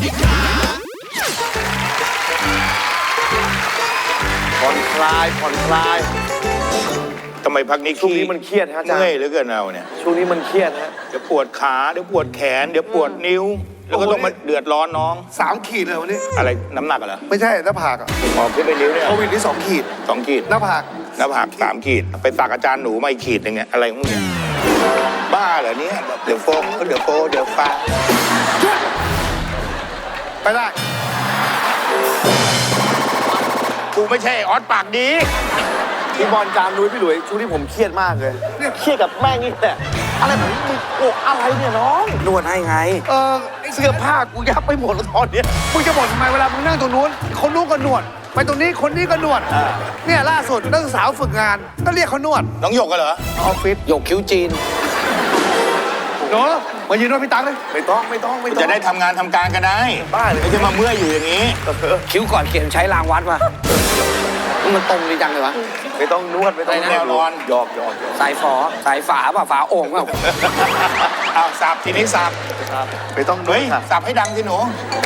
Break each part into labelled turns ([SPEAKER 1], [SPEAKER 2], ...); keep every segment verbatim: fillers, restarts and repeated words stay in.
[SPEAKER 1] ผ่อนคลายผ่อนคลาย
[SPEAKER 2] ทำไมพักนี้
[SPEAKER 1] ช่วงนี้มันเครียดฮะอาจารย์
[SPEAKER 2] เมื่อยเหลือเกินเอาเนี่ย
[SPEAKER 1] ช่วงนี้มันเครียดฮะ
[SPEAKER 2] เดี๋ยวปวดขาเดี๋ยวปวดแขนเดี๋ยวปวดนิ้ว แล้วก็ต้องมาเดือดร้อนน้อง
[SPEAKER 1] สามขีดเลยวันนี้
[SPEAKER 2] อะไรน้ำหนักเหรอ
[SPEAKER 1] ไม่ใช่หน้าผากอ่ะ
[SPEAKER 2] ออกขึ้นไปนิ้วเนี่ย
[SPEAKER 1] โควิดที่สองขีด
[SPEAKER 2] สองขีด
[SPEAKER 1] หน้าผาก
[SPEAKER 2] หน้าผากสามขีดไปสักอาจารย์หนูมาอีกขีดหนึ่งเนี่ยอะไรของมึงเนี่ยบ้าเหรอเนี่ยเดี๋ยวโฟมเดี๋ยวโฟเดี๋ยวฟ้า
[SPEAKER 1] ไปได้
[SPEAKER 2] กูไม่ใช่ออสปากดี
[SPEAKER 1] พี่บอลจานนุ้ยพี่หลุยช่วงนี้ผมเครียดมากเลยเนี่ยเครียดกับแม่งนี่แหละอะไรผมมึงโกอะไรเนี่ยน้อง
[SPEAKER 3] นวดให้ไง
[SPEAKER 1] เออเสื้อผ้ากูยับไปหมดแล้วตอนนี้มึงจะบ่นทำไมเวลามึงนั่งตรงนู้นคนนู้นก็นวดไปตรงนี้คนนี้ก็นวดเนี่ยล่าสุดนักศึกษาฝึกงานก็เรียกเขานวด
[SPEAKER 2] น้องหยกกันเหรอ
[SPEAKER 1] ออฟฟิศ
[SPEAKER 3] หยกคิ้วจีน
[SPEAKER 1] เนาะมายืนนวดพี่ตั๊กเลยไม่ต้องไม่ต้องไม่ต้อง
[SPEAKER 2] จะได้ทำงานทำการกันได้
[SPEAKER 1] บ้าเลย
[SPEAKER 2] ไม่ใช่มาเมื่อยอยู่อย่างนี้
[SPEAKER 3] คิ้วก่อนเขียนใช้รางวัดมามันตรงดีจังเลยวะ
[SPEAKER 1] ไม่ต้องนวดไม่ต้อง
[SPEAKER 2] แนวนอน
[SPEAKER 1] หยอกหยอก
[SPEAKER 3] สายฝอสายฝาป่ะฝาโอ่งเปล่า
[SPEAKER 2] เอาสับทีนี้สับ
[SPEAKER 1] ไม่ต้องนว
[SPEAKER 2] เฮ้
[SPEAKER 1] ด
[SPEAKER 2] ยสับให้ดังสิหนู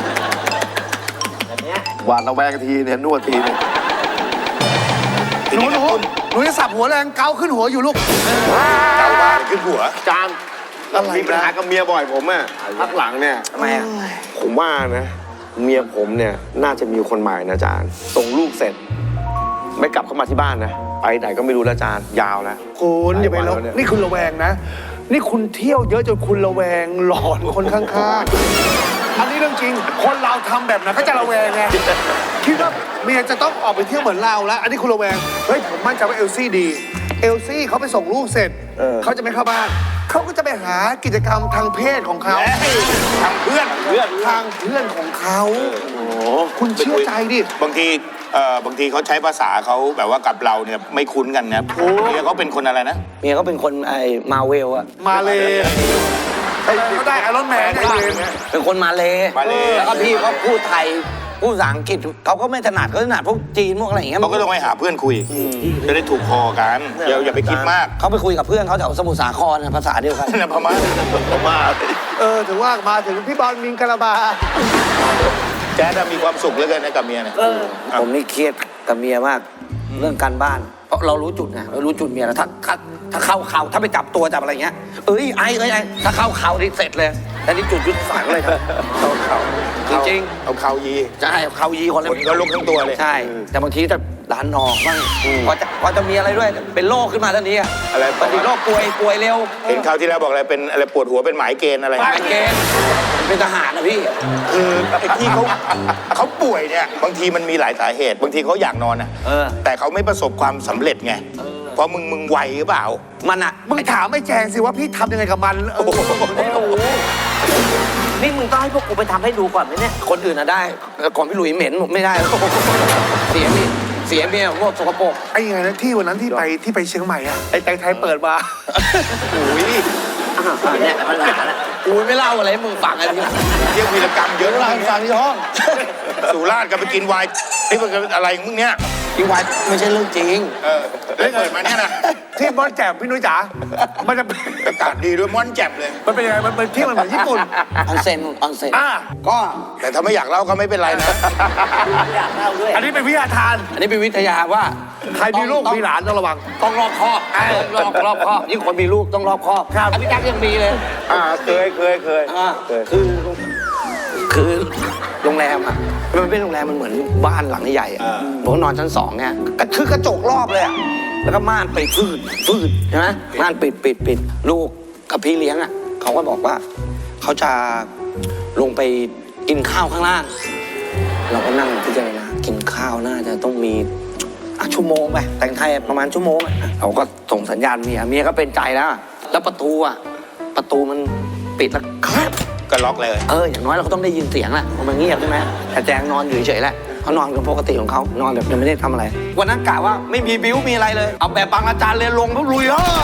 [SPEAKER 1] หวานระแวงทีเนี่ยนวดทีเนี่ยหนูหนูหนูจะสับหัวแรงเกาขึ้นหัวอยู่ลูก
[SPEAKER 2] เกาบ้าขึ้นหัว
[SPEAKER 1] จานมีปัญหากับเมียบ่อยผมอ่ะพักหลังเนี่ย
[SPEAKER 3] ทำไมอ่ะ
[SPEAKER 1] ผมว่านะเมียผมเนี่ยน่าจะมีคนใหม่นะจานส่งลูกเสร็จไม่กลับเข้ามาที่บ้านนะไปไหนก็ไม่รู้แล้วจานยาวแล้วคุณอย่าไปแล้วนี่คุณระแวงนะนี่คุณเที่ยวเยอะจนคุณระแวงหลอนคนข้างๆอันนี้เรื่องจริงคนเราทำแบบนั้นก็จะระแวงไงคิดว่าเมียจะต้องออกไปเที่ยวเหมือนเราแล้วอันนี้คุณระแวงเฮ้ยผมมั่นใจว่าเอลซี่ดีเอลซี่เขาไปส่งลูกเสร็จเขาจะไม่เข้าบ้านเขาก็จะไปหากิจกรรมทางเพศของเขา
[SPEAKER 2] ทางเพื่อน
[SPEAKER 1] เพื่อนทางเพื่อนของเขาคุณเชื่อใจดิ
[SPEAKER 2] บางทีเอ่อบางทีเขาใช้ภาษาเขาแบบว่ากับเราเนี่ยไม่คุ้นกันนะเมียเขาเป็นคนอะไรนะ
[SPEAKER 3] เมียเขาเป็นคนไอ้มาเวลอะ
[SPEAKER 1] มาเลยเขาได้ไอรอนแมน
[SPEAKER 3] เป็นคนมาเลแล้วก็พี่เขาพูดไทยพูดภาษาอังกฤษเขาก็ไม่ถนัดเขาถนัดพวกจีนพวกอะไรอย่างเงี้ย
[SPEAKER 2] เขาก็ต้องไปหาเพื่อนคุยจะได้ถูกคอกันอย่าอย่าไปคิดมาก
[SPEAKER 3] เขาไปคุยกับเพื่อนเขาแถวสมุทรสาครภาษาเดียวกัน
[SPEAKER 2] นะพม่า
[SPEAKER 1] พม่าเออถือว่ามาถึงพี่บอลมิงกะลาบา
[SPEAKER 2] แจ๊ดมีความสุขเหลือเกินนะกับเมียเนี่ย
[SPEAKER 3] ผมนี่เครียดกับเมียมากเรื่องการบ้านเพราะเรารู้จุดไงเรารู้จุดเมียแล้วถ้าถ้าถ้าเข้าเข่าถ้าไปจับตัวจับอะไรเงี้ยเอ้ยไอ้เอ้ยไอ้ถ้าเข้าเข่านี่เสร็จเลยแต่นี่จุดยุทธศาสตร์เลยครับ
[SPEAKER 2] เข้าเข่า
[SPEAKER 3] จริง
[SPEAKER 2] ๆเอาเข่ายี
[SPEAKER 3] ใช่เข่ายีคนเลย
[SPEAKER 2] ก็ลุกทั้งตัวเลย
[SPEAKER 3] ใช่แต่บางทีจะดันออกบ้างพอจะพอจะมีอะไรด้วยเป็นโรคขึ้นมาทันที
[SPEAKER 2] อะไร
[SPEAKER 3] บางทีโรคป่วยป่วยเร็ว
[SPEAKER 2] เห็นคราวที่แล้วบอกอะไรเป็นอะไรปวดหัวเป็นหมายเกณฑ์อะไร
[SPEAKER 3] หมายเกณฑ์เป็นทหารนะพี่
[SPEAKER 2] คือไอ้ที่เขาเขาป่วยเนี่ยบางทีมันมีหลายสาเหตุบางทีเขาอยากนอนนะแต่เขาไม่ประสบความสำเร็จไงเพราะมึงมึงไวหรือเปล่า
[SPEAKER 3] มันอะ
[SPEAKER 1] มึงถามไม่แจงสิว่าพี่ทำยังไงกับมันเออ
[SPEAKER 3] ไม่รู้นี่มึงต้องให้พวกกูไปทำให้ดูก่อนไหมเนี่ยคนอื่นอะได้ก่อนพี่หลุยเหม็นไม่ได้เสียมีเสียเมียพวกสกปรก
[SPEAKER 1] ไอ้ยังไงนะที่วันนั้นที่ไปที่ไปเชียงใหม่อะไอ้แตงไทยเปิดมา
[SPEAKER 2] โอ้ย
[SPEAKER 3] เนี่ยมันหนาละกูไม่เล่าอะไรให้มึงฟังอะไรที่
[SPEAKER 2] เรียกวีรกรรมเยอะ
[SPEAKER 1] เล่าฟังที่ห้อง
[SPEAKER 2] สุราษฎร์ก็ไปกินไวน์ไอ้พวกอะไรมึงเนี่ย
[SPEAKER 3] กินไวน์ไม่ใช่เรื่องจริง
[SPEAKER 2] เออได้เปิดมาเนี่ยนะ
[SPEAKER 1] ที่ม่อนแจ่มพี่นุ้ยจ๋ามันจะ
[SPEAKER 2] อากาศดีด้วยม่อนแจ่มเลย
[SPEAKER 1] มันเป็นยังไงมันเป็นที่มันเหมือนญี่ปุ่น
[SPEAKER 3] ออนเซ็นออนเซ็น
[SPEAKER 1] อ่ะ
[SPEAKER 2] ก็แต่ถ้าไม่อยากเล่าก็ไม่เป็นไรนะ
[SPEAKER 3] อยากเล่าด้วย
[SPEAKER 1] อันนี้เป็นวิทยาทาน
[SPEAKER 3] อันนี้เป็นวิทยาว่า
[SPEAKER 1] ใครมีลูกมีหลานต้องระวัง
[SPEAKER 3] ต้องรอบคอบรอบรอบคอบยิ่งคนมีลูกต้องรอบคอบครับพี่แจ๊คยังมีเลย
[SPEAKER 1] อ่าเคยเคยเคย
[SPEAKER 3] คือคือโรงแรมอ่ะมันเป็นโรงแรมมันเหมือนบ้านหลังใหญ่อ่ะผมนอนชั้นสองเนี่ยคือกระจกรอบเลยอ่ะแล้วก็ม่านไปฟืดฟืดใช่ไหมม่านปิดปิดปิดลูกกับพี่เลี้ยงอ่ะเขาก็บอกว่าเขาจะลงไปกินข้าวข้างล่างเราก็นั่งพิจารณากินข้าวน่าจะต้องมีชั่วโมงไปแต่งไทยประมาณชั่วโมงเราก็ส่งสัญญาณเมียเมียก็เป็นใจแล้วแล้วประตูอ่ะประตูมันปิดแล้วครับ
[SPEAKER 2] ก็ล็อกเลย
[SPEAKER 3] เอออย่างน้อยเราก็ต้องได้ยินเสียงแหละมันเงียบใช่ไหมแต่แจงนอนอยู่เฉยๆแหละเขานอนกันปกติของเขานอนแบบยังไม่ได้ทำอะไรวันนั้นกะว่าไม่มีบิ้วมีอะไรเลยเอาแบบบางอาจารย์เลยลงปุ๊บลุยเออ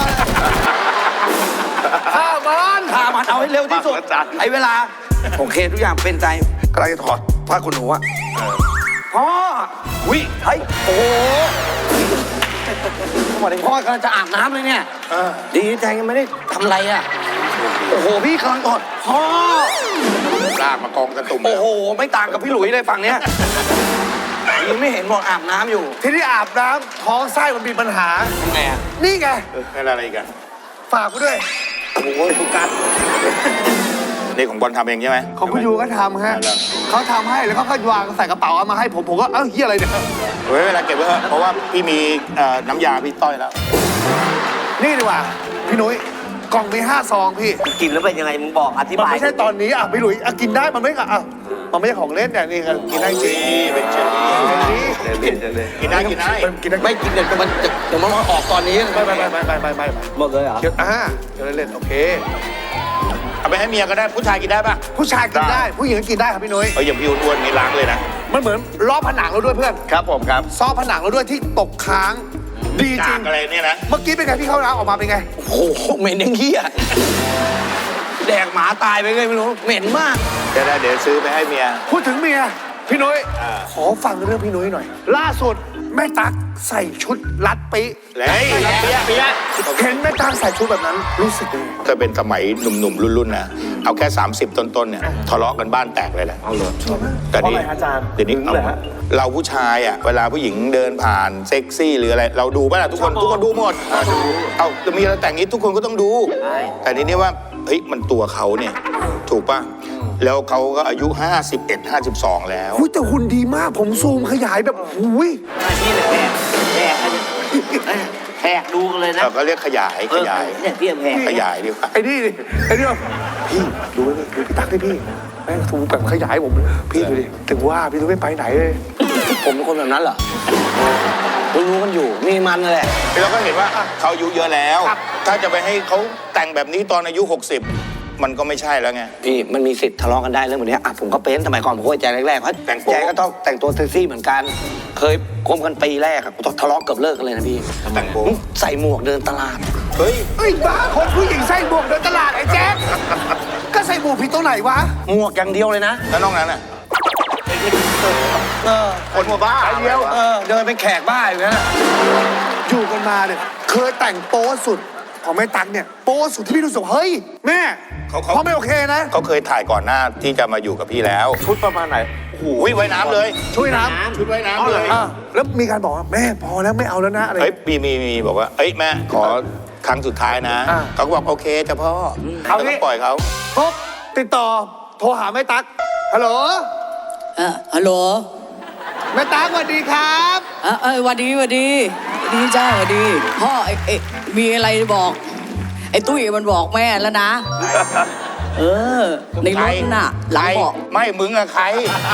[SPEAKER 1] ฆ่ามัน
[SPEAKER 3] ฆ่ามันเอาให้เร็วที่สุดใช้เวลาโอเคทุกอย่างเป็นใจ
[SPEAKER 1] กำลังจะถอดผ้าขนหนูอะ
[SPEAKER 3] พ่อวิเฮ้ยโอ้โหพ่อกำลังจะอาบน้ำเลยเนี่ยดีแจงยังไม่ได้ทำอะไรอ่ะโอ้โหพี่กำลังถอดพ่อ
[SPEAKER 2] ลากมากองกระตุ่ม
[SPEAKER 3] โอ้โห ไม่ต่างกับพี่หลุยเลยฝั่งเนี้ยยังไม่เห็นบอกอาบน้ำอยู่
[SPEAKER 1] ที่นี่อาบน้ำท้องไส้มันมีปัญหา
[SPEAKER 3] ไงอ่ะ
[SPEAKER 1] นี่ไง
[SPEAKER 2] นั่นอะไรกัน
[SPEAKER 1] ฝากกูด้วย
[SPEAKER 3] โอ้ยคุณกัน
[SPEAKER 2] นี่ของบอลทำเองใช่ไหม
[SPEAKER 1] ของคุณยูก็ทำฮะ
[SPEAKER 2] เอาล่ะ
[SPEAKER 1] เขาทำให้แล้วเขาก็วางใส่กระเป๋าเอามาให้ผมผมก็เอ้าเฮียอะไรเนี่ย
[SPEAKER 2] เฮ้ยเวลาเก็บไว้เถอะเพราะว่าพี่มีเอ่อน้ำยาพี่ต้อยแล้ว
[SPEAKER 1] นี่ดีกว่าพี่นุ้ยกล่องมีห้าซองพี่
[SPEAKER 3] กินแล้วเป็นยังไงมึงบอกอธิ
[SPEAKER 1] มัน
[SPEAKER 3] บาย
[SPEAKER 1] ไม่ใช่ตอนนี้อ่ะพี่หลุยอ่ะกินได้มันไม่อ่ะอ่ะมันไม่ใช่ของเล่นเนี่ยนี่ครับกินได้จริง
[SPEAKER 2] นี่เป็นเชอรี่
[SPEAKER 1] นี่
[SPEAKER 2] กินได้กินได้
[SPEAKER 1] กินได้
[SPEAKER 3] ไม่กินเดี๋ยวมันเดี๋ยวมันออกตอนนี้
[SPEAKER 1] ไม่ไม่ไม่ไม่ไม่ไม่ไม่
[SPEAKER 3] หมดเลยเหรอ
[SPEAKER 1] เดี๋ยวอ่าเดี๋ยวเล่นโอเค
[SPEAKER 2] เอาไปให้เมียก็ได้ผู้ชายกินได้ปะ
[SPEAKER 1] ผู้ชายกินได้ผู้หญิงก็กินได้ครับพี่นุ้ย
[SPEAKER 2] เอ้ยอย่างพี่อ้วนๆนี่ล้างเลยนะ
[SPEAKER 1] มันเหมือนล้อผนังเราด้วยเพื่อน
[SPEAKER 2] ครับผมครับ
[SPEAKER 1] ซ้อผนังเราด้วยที่ตกค้างดีจริ
[SPEAKER 2] กาง กอะไรเนี่ยนะ
[SPEAKER 1] เมื่อกี้เป็นไงพี่เข้าน้ำออกมาเป็นไง
[SPEAKER 3] โอ้โหเหม็นยังเหี้ยแดกหมาตายไปเลยไม่รู้เหม็นมาก
[SPEAKER 2] เดี๋ยวได้เดี๋ยวซื้อไปให้เมีย
[SPEAKER 1] พูดถึงเมียพี่นุ้ย
[SPEAKER 2] อ่า
[SPEAKER 1] ขอฟังเรื่องพี่นุ้ยหน่อย ล่าสุดแม่ตั๊กใส่ชุดรัดปิ
[SPEAKER 2] เฮ้ยเปียะเปียะ
[SPEAKER 1] เห็นแม่ตั๊กใส่ชุดแบบนั้นรู้สึกยังไง
[SPEAKER 2] ถ้าเป็นสมัยหนุ่มๆรุ่นๆนะเอาแค่ สามสิบ ต้นๆเนี่ยทะเลาะกันบ้านแตกเลยแหละเอาเลยแต่นี่เดี๋ยวนี้เอาเราผู้ชายอ่ะเวลาผู้หญิงเดินผ่านเซ็กซี่หรืออะไรเราดูป่ะล่ะทุกคนทุกคนดูหมดเอาจะมีอะไรแต่งนี้ทุกคนก็ต้องดู แต่ทีนี้ว่าเฮ้ยมันตัวเขาเนี่ยถูกป่ะแล้วเขาก็อายุห้าสิบเอ็ด ห้าสิบสองแล้ว
[SPEAKER 1] อุ้ยแต่หุ่นดีมากผมซูมขยายแบบอุ้ย
[SPEAKER 4] พี่เลยแหกแหกแหกดูกันเลยนะ
[SPEAKER 2] เราก็เรียกขยายขยาย
[SPEAKER 4] เนี่ยพี่แหก
[SPEAKER 2] ขยายดีกว่า
[SPEAKER 1] ไอ้นี่ดิไอ้นี่แบบพี่ดูนี่ดูพี่ตั๊กดิพี่แม่งซูมแบบขยายผมพี่ดูดิถึงว่าพี่ต้องไม่ไปไหนเลย
[SPEAKER 3] ผมเป็นคนแบบนั้นเหรอรู้รู้กันอยู่มีมันนั่นแหละ
[SPEAKER 2] เราก็เห็นว่าอ่ะเขาอายุเยอะแล้ว ถ้าจะไปให้เขาแต่งแบบนี้ตอนอายุ หกสิบ มันก็ไม่ใช่แล้วไง
[SPEAKER 3] พี่มันมีสิทธิ์ทะเลาะกันได้เรื่องแบบนี้อ่ะผมก็เป็นสมัยก่อนผมก็ใจแรกๆเพราะ
[SPEAKER 2] แต่งโป๊ะ
[SPEAKER 3] ใจก็ต้องแต่งตัวเซ็กซี่เหมือนกัน เคยคบกันปีแรกอะทะเลาะเกือบเลิกกันเลยนะพี่
[SPEAKER 2] แต่งโป๊ะ
[SPEAKER 3] ใส่หมวกเดินตลาด
[SPEAKER 2] เฮ้ย
[SPEAKER 1] เอ้ยบ้าคนผู้หญิงใส่หมวกเดินตลาดไอ้แจ๊คก็ใส่หมวกผิดตรงไหนวะ
[SPEAKER 3] หมวกอย่างเดียวเลยนะ
[SPEAKER 2] แล้วนอกนั้นอ่ะ
[SPEAKER 3] เออ
[SPEAKER 2] คนหัวบ้า
[SPEAKER 1] ไอ้เดียว
[SPEAKER 3] เออเดินเป็นแขกบ้าอยู่นั่นน่ะ
[SPEAKER 1] อยู่กันมาเนี่ยเคยแต่งโป๊สุดของแม่ตั๊กเนี่ยโป๊สุดที่พี่รู้สึกว่าเฮ้ยแม่
[SPEAKER 2] เขาเขา
[SPEAKER 1] พ่อไม่โอเคนะ
[SPEAKER 2] เขาเคยถ่ายก่อนหน้าที่จะมาอยู่กับพี่แล้ว
[SPEAKER 1] ชุดประมาณไหน
[SPEAKER 2] อุ้ยว่ายน้ำเลย
[SPEAKER 1] ช่วยน้ำ
[SPEAKER 2] ชุดว่ายน้ำเลย
[SPEAKER 1] อ่ะแล้วมีการบอกว่าแม่พอแล้วไม่เอาแล้วนะอะไร
[SPEAKER 2] เฮ้ยมีมีมีบอกว่า เอ้ยแม่ขอครั้งสุดท้ายนะ
[SPEAKER 1] อ่า
[SPEAKER 2] เขาก็บอกโอเคจ้ะพ่อ
[SPEAKER 1] เอา
[SPEAKER 2] แล้ว
[SPEAKER 1] งี้
[SPEAKER 2] ก็ปล่อยเขา
[SPEAKER 1] ปุ๊บติดต่อโทรหาแม่ตั๊กฮัลโหล
[SPEAKER 5] เอ่อฮัลโหล
[SPEAKER 1] แม่ตั๊กสวัสดีครับ
[SPEAKER 5] เอ่อเอยหวัดดีหวัดดีหวัดดีจ้าหวัดดี พ่อไอ้ไอ้มีอะไรบอก ไอ้ตุ้ยมันบอกแม่แล้วนะ เออ ในรถน่ะ หลังเบาะ
[SPEAKER 2] ไม่มึงอะใคร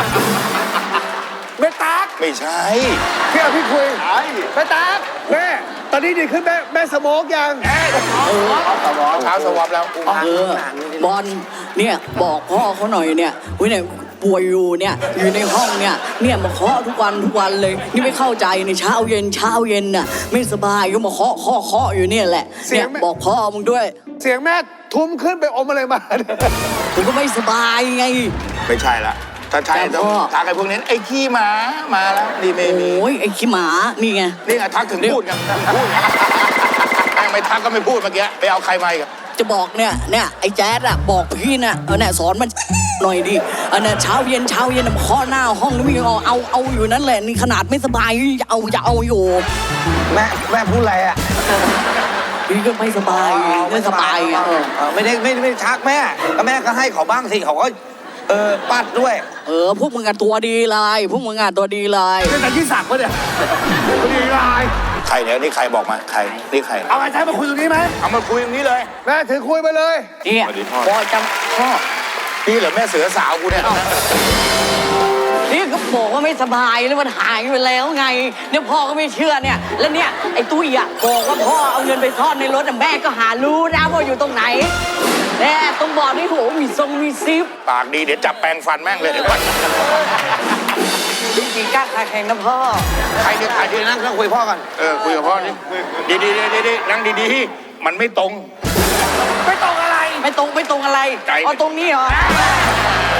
[SPEAKER 1] แม่ตั๊ก
[SPEAKER 2] ไม่ใช่
[SPEAKER 1] พี่เอาพี่คุยแม่ตั๊กแม่ตอนนี้ดีขึ้นแม่แม่สโมกยัง
[SPEAKER 2] เช้าสวอปแล้ว
[SPEAKER 5] เออบอลเนี่ยบอกพ่อเขาหน่อยเนี่ยวิเนี่ยป่วยอยู่เนี่ยอยู่ในห้องเนี่ยเนี่ยมาเคาะทุกวันทุกวันเลย นี่ไม่เข้าใจในเช้าเย็นเช้าเย็นน่ะไม่สบายก็มาเคาะเคาะเคาะอยู่เนี่ยแหละเนี่ยบอกพ่อมึงด้วย
[SPEAKER 1] เสียงแม่ทุ้มขึ้นไปอมอะไรมา
[SPEAKER 5] ผมก็ไม่สบายไง
[SPEAKER 2] ไม่ใช่ละถ้าใช่
[SPEAKER 5] แต่
[SPEAKER 2] ต้อง
[SPEAKER 5] พ่อ
[SPEAKER 2] ทักไอ้พวกนี้ไอ้ขี้หมามาแล้วนี่ไม่มี
[SPEAKER 5] โอ้ยไอ้ขี้หมานี่ไง
[SPEAKER 2] นี่ไงทักถึงพูดกันพูดกันแม่งไม่ทักก็ไม่พูดเมื่อกี้ไปเอาใครมาอีกอะ
[SPEAKER 5] จะบอกเนี่ยเนี่ยไอ้แจ๊ดอะบอกพี่น่ะเออเนี่ยสอนมันหน่อยดิเออเนี่ยเช้าเย็นเช้าเย็นน่ะมาเคาะหน้าห้องนี่มึงยังเอาเอาเอาอยู่นั่นแหละนี่ขนาดไม่สบายจะเอาจะเอาอยู่
[SPEAKER 3] แม่แม่พูดอะไรอ่ะ
[SPEAKER 5] พี่ก็ไม่สบายไม่สบายอ่ะ
[SPEAKER 3] เออเออไม่ได้ไม่ได้ไม่ได้ชักแม่ก็แม่ก็ให้เขาบ้างสิเขาก็เออปัดด้วย
[SPEAKER 5] เออพวกมึงอะตัวดีเลยพวกมึงอะตัวดีเลย
[SPEAKER 1] เป็นแต่ที่สักปะเนี่ยพอดีลาย
[SPEAKER 2] ใครเนี่ยนี่ใครบอกมาใครนี่ใคร
[SPEAKER 1] เอาไอ้แจ๊คมาคุยตรงนี้ไหม
[SPEAKER 2] เอามาคุยตรงนี้เลย
[SPEAKER 1] แม่ถือคุยไปเลย
[SPEAKER 5] เนี่ย
[SPEAKER 2] สวัสดีพ่อ
[SPEAKER 5] พ่อจำพ่อ
[SPEAKER 2] พี่เหรอแม่เสือสาวกูเนี่ย
[SPEAKER 5] นี่ก็บอกว่าไม่สบายแล้วมันหายไปแล้วไงเนี่ยพ่อก็ไม่เชื่อเนี่ยแล้วเนี่ยไอ้ตุ้ยอะบอกว่าพ่อเอาเงินไปซ่อนในรถแต่แม่ก็หารู้นะว่าอยู่ตรงไหนแน่ต้องบอกนี่โหมีทรงมีซิป
[SPEAKER 2] ปากดีเดี๋ยวจับแปรงฟันแม่งเลยเดี๋ยวก่อน
[SPEAKER 5] จริงๆกล้าขาแข่งนะพ่อ
[SPEAKER 2] ใครเนี่ยใคร
[SPEAKER 3] เดี๋
[SPEAKER 2] เนี่ย ยว
[SPEAKER 3] นั่งนั่งคุยพ่อกัน
[SPEAKER 2] เออคุยกับพ่อนี่ดีดีดีดีดีนั่งดีๆมันไม่ตรง
[SPEAKER 1] ไม่ต้องอะไร
[SPEAKER 5] ไม่ตรงไม่ตรงอะไร
[SPEAKER 2] ใจ
[SPEAKER 5] เอาตรงนี้เหรอ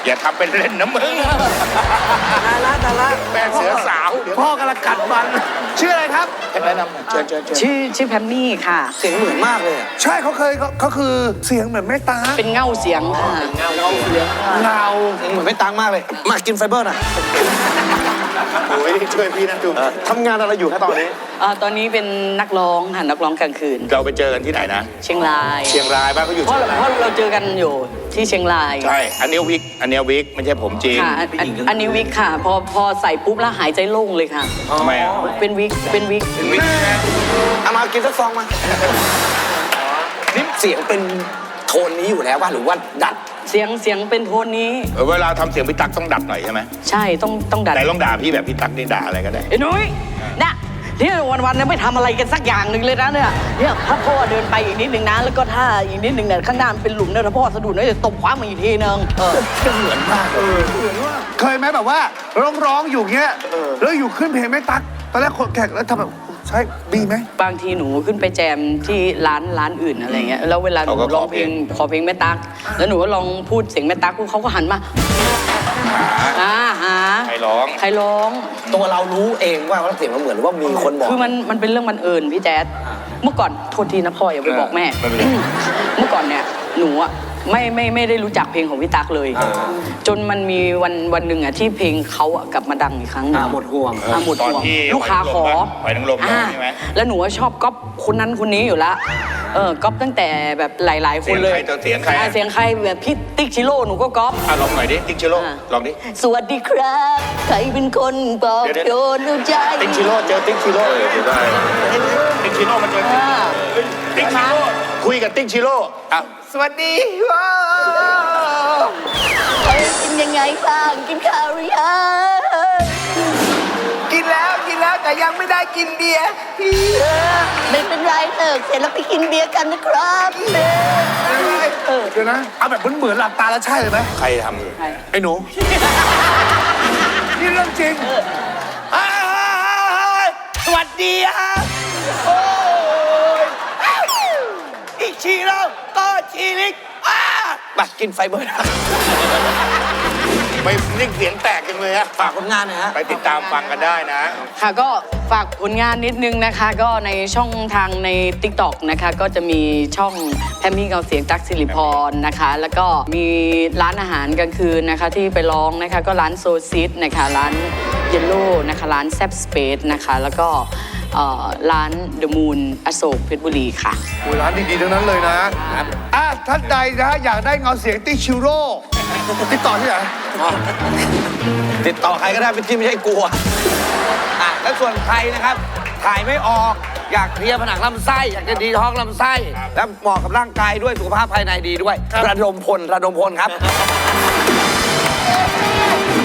[SPEAKER 2] อย่าทำเป็นเล่นนะมึง
[SPEAKER 4] ดาราดารา
[SPEAKER 2] แม่เสือสาวเดี๋ยว
[SPEAKER 1] พ่อกำลังกัดมันชื่ออะไรครับ
[SPEAKER 2] แนะนำหน่อยเชิญเชิญเชิญ
[SPEAKER 5] ชื่อชื่อแพมมี่ค่ะ
[SPEAKER 3] เสียงเหมือนมากเลยอะ
[SPEAKER 1] ใช่เขาเคยเขาเขาคือเสียงเหมือนแม่ตา
[SPEAKER 5] เป็นเงาเสียงค่ะ
[SPEAKER 1] เงา
[SPEAKER 3] เสียงเหมือนไม่ตังมากเลย มากินไฟเบอร์หน่อย
[SPEAKER 2] โอ้ยช่วยพี่นะจุ๊บ
[SPEAKER 1] ทำงานอะไรอยู่คะตอนนี้
[SPEAKER 5] เอ่อตอนนี้เป็นนักร้องค่ะนักร้องกลางคืน
[SPEAKER 2] เราไปเจอกันที่ไหนนะ
[SPEAKER 5] เชียงราย
[SPEAKER 2] เชียงรายบ้านเขาอยู่
[SPEAKER 5] เพราะ
[SPEAKER 2] เชียงราย
[SPEAKER 5] เพราะเราเจอกันอยู่ที่เชียงราย
[SPEAKER 2] ใช่อันนี้วิกอันนี้วิกไม่ใช่ผมจริง
[SPEAKER 5] ค่ะอันอันอันนี้วิกค่ะ พอพอใส่ปุ๊บแล้วหายใจโล่งเลยค่ะ
[SPEAKER 2] ทำไมอ่ะ
[SPEAKER 5] เป็นวิกเป็นวิก
[SPEAKER 2] เป็นวิกนะ
[SPEAKER 3] เอามากินสักซองมานี่เสียงเป็นโทนนี้อยู่แล้วว่าหรือว่าดัด
[SPEAKER 5] เสียงเสียงเป็นโทนนี้
[SPEAKER 2] เออเวลาทำเสียงพี่ตั๊กต้องดัดหน่อยใช่ไหม
[SPEAKER 5] ใช่ต้องต้องดัด
[SPEAKER 2] แต่ลองด่าพี่แบบพี่ตั๊กนี่ด่าอะไรก็ได้
[SPEAKER 5] ไอ้นุ้ยนะเนี่ยวันๆเนี่ยไม่ทำอะไรกันสักอย่างหนึ่งเลยนะเนี่ยเนี่ยถ้าพ่อเดินไปอีกนิดหนึ่งนะแล้วก็ถ้าอีกนิดหนึ่งเนี่ยข้างหน้ามันเป็นหลุมเนี่ยถ้าพ่อสะดุดเนี่ยจะตบคว้ามาอีกทีนึงเออ
[SPEAKER 3] เหมือนมากเลย
[SPEAKER 1] เคยไหมแบบว่าร้องร้องๆอยู่เงี้ยแล้วอยู่ขึ้นเพลงแม่ตั๊กตอนแรกคนแขกแล้วทำแบบใช่ดีไหม
[SPEAKER 5] บางทีหนูขึ้นไปแจมที่ร้านร้านอื่นอะไรเงี้ยแล้วเวลาหนูร้องเพลงขอเพลงแม่ตั๊กแล้วหนูก็ลองพูดเสียงแม่ตั๊กเขาก็หันมาอ่าหา
[SPEAKER 2] ใครร้อง
[SPEAKER 5] ใครร้อง
[SPEAKER 3] ตัวเรารู้เองว่าเสียงมันเหมือนหรือว่ามีคนบอก
[SPEAKER 5] คือมันมันเป็นเรื่องบังเอิญพี่แจ๊ดเมื่อก่อนโทษทีนะพ่ออย่าไปบอกแม่
[SPEAKER 2] ไม่เป็นไร
[SPEAKER 5] เมื่อก่อนเนี่ยหนูอะไม่ไม่ไม่ได้รู้จักเพลงของพี่ตั๊กเลย จนมันมีวันวันหนึ่งอะที่เพลงเขาอะกลับมาดังอีกครั้งหนึ่ง
[SPEAKER 3] อ่าหมดห่วง
[SPEAKER 5] อ่าหมด
[SPEAKER 2] ตอน
[SPEAKER 5] ห่วง
[SPEAKER 2] ที่
[SPEAKER 5] ลูกค้าขอ
[SPEAKER 2] หอยนางรม
[SPEAKER 5] อ่า
[SPEAKER 2] ใช่ไหม
[SPEAKER 5] แล้วหนูว่าชอบก๊อปคนนั้นคนนี้อยู่ละเออก๊อปตั้งแต่แบบหลาย ๆ คนเลย
[SPEAKER 2] เสียงใครตัวเสียงใคร
[SPEAKER 5] อ่าเสียงใครแบบพี่ติ๊กชิโร่หนูก็ก๊อป
[SPEAKER 2] อ่ะลองหน่อยดิติ๊กชิโร่
[SPEAKER 5] อ่ะ
[SPEAKER 2] ลองดิ
[SPEAKER 5] สวัสดีครับใครเป็นคนบอก
[SPEAKER 2] เดี๋ยว
[SPEAKER 5] โดนเอาใจ
[SPEAKER 2] ติ๊กชิโร่เจอติ๊กชิโร่ได้ติ๊กชิโร่มาเจอ
[SPEAKER 5] อ่า
[SPEAKER 2] ติ๊กชิโร่คุยกับติ๊กชิโร่อ่ะ
[SPEAKER 1] สวัสดีว้า
[SPEAKER 5] เอ้ยกินยังไงบ้างกินข้าวหรือยัง
[SPEAKER 1] กินแล้วกินแล้วแต่ยังไม่ได้กินเบียร์
[SPEAKER 5] ไม่เป็นไรเถอะเสร็จแล้วไปกินเบียร์กันนะครับ
[SPEAKER 1] เออเดี๋ยวนะเอาแบบเหมือนๆหลับตาแล้วใช่เลยไหม
[SPEAKER 2] ใครทำอยู่
[SPEAKER 1] ไอ้หนูนี่เรื่องจริง
[SPEAKER 4] สวัสดีครับโอ้ยอีกชีเราก็ชีลิกอ้า
[SPEAKER 3] บักกินไฟเบอร์นะ
[SPEAKER 2] ไปนิ่งเสียงแตกจังเลยฮะ
[SPEAKER 3] ฝากผลงานหนะฮะ
[SPEAKER 2] ไปติดตามฟังกันได้นะ
[SPEAKER 5] ค่ะก็ฝากผลงานนิดนึงนะคะ ก็ในช่องทางใน ติ๊กต็อก นะคะ ก็จะมีช่องแพมมี่เกาเสียงตั๊กสิริพรนะคะ แล้วก็มีร้านอาหารกลางคืนนะคะที่ไปร้องนะคะ ก็ร้านโซซิสนะคะ ร้านเยลโล่นะคะ ร้านแซบสเปซนะคะ แล้วก็เอ่อร้านเดอะมูนอโศกเพชรบุรีค่ะ
[SPEAKER 1] โอ้ยร้านดีๆทั้งนั้นเลยนะอ่ะท่านใดนะอยากได้เงาเสียงติ๊กชิโร่ติดต่อที่ไหน
[SPEAKER 3] ติดต่อใครก็ได้เป็นที่ไม่ใช่กลัวอ่ะแล้วส่วนใครนะครับ ถ่ายไม่ออก อยากเคลียร์ผนังลำไส้ อยากจะดีท้องลำไส้ แล้วเหมาะกับร่างกายด้วยสุขภาพภายในดีด้วย ระดมพล ระดมพลครับ